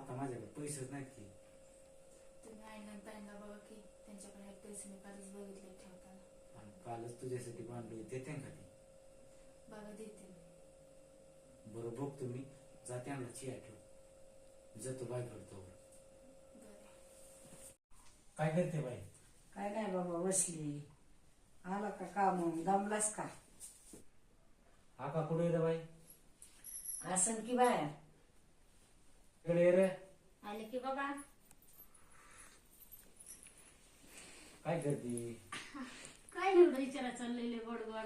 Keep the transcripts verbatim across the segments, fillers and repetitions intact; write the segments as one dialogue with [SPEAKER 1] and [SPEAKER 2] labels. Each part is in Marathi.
[SPEAKER 1] आता माझ्याकडे पैसेच नाहीत की.
[SPEAKER 2] तुम्ही आईला ताईंना बघा की त्यांच्याकडे एक पैसे मी कालच बघितले ठेवताना.
[SPEAKER 1] आणि कालच तुझ्यासाठी बांधलो देते का ती?
[SPEAKER 2] बघा देते मी.
[SPEAKER 1] बरं बघ तुम्ही जाते आणला चिया ठेव जातो बाय करतो. काय करते बाई?
[SPEAKER 3] काय नाही बाबा बसली. आला का काम दमलास का?
[SPEAKER 1] आका कुठे रे बाई?
[SPEAKER 3] आसन की बाहेर.
[SPEAKER 1] इकडे ये रे.
[SPEAKER 2] आले की बाबा.
[SPEAKER 1] काय करते?
[SPEAKER 2] काय एवढं विचारा चाललेले गोड गोड.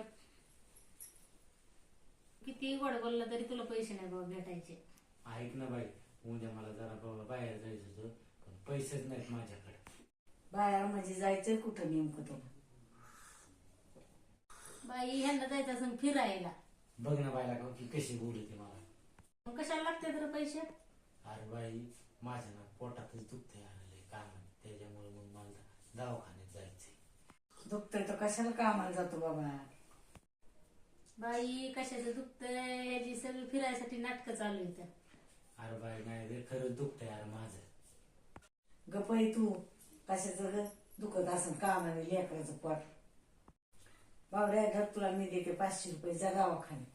[SPEAKER 2] किती गोड बोलला तरी तुला पैसे नाही बाबा भेटायचे.
[SPEAKER 1] ऐक ना बाई, उद्या मला जरा बाबा बाहेर जायचं होतं पण पैसेच नाहीत माझ्याकडे.
[SPEAKER 3] बाहेर म्हणजे जायचंय कुठं नेमकं तुला?
[SPEAKER 2] बाई ह्यांना जायचं असं फिरायला.
[SPEAKER 1] बघ ना बायला का की कशी बोलते मला.
[SPEAKER 2] मग कशाला लागते तर पैसे?
[SPEAKER 1] अरे बाई माझ्या ना पोटातच दुखतंय आलेले काम त्याच्यामुळे मग मला दवाखान्यात जायचंय.
[SPEAKER 3] दुखतंय तर कशाला कामाला जातो बाबा?
[SPEAKER 2] बाई कशाचं दुखतंय याची सगळी फिरायसाठी नाटकं चालू आहेत.
[SPEAKER 1] अरे बाई नाही रे खरंच दुखतंय यार माझं.
[SPEAKER 3] गपई तू कशाचं ग दुखत असं कामाने लेकराचं पोट. बाबड्या घर तुला मी देते पाचशे रुपये जा दवाखान्यात.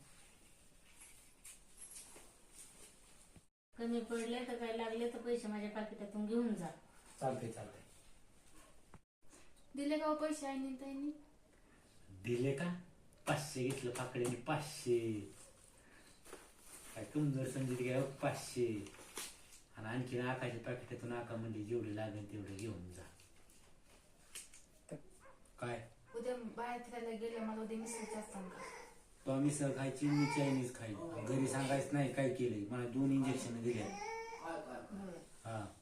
[SPEAKER 2] कमी पडले तर काय लागले तर पैसे माझ्या पाकिटातून घेऊन जा.
[SPEAKER 1] चालतंय चालतंय.
[SPEAKER 2] दिले का पैसे आईने ताईंनी?
[SPEAKER 1] दिले का? पाचशे घेतलं पाकड्याने पाचशे. काय कमजोर समजित घ्या पाचशे. आणि आणखी आकाच्या पाकिटातून आका म्हणजे जेवढे लागेल तेवढे घेऊन जा. काय
[SPEAKER 2] उद्या बाहेर फिरायला गेले मला उद्या मिसळचे असतात का?
[SPEAKER 1] तो मिसळ खायची मी चायनीज खायची. घरी सांगायचं नाही काय केलंय. मला दोन इंजेक्शन दिले. हा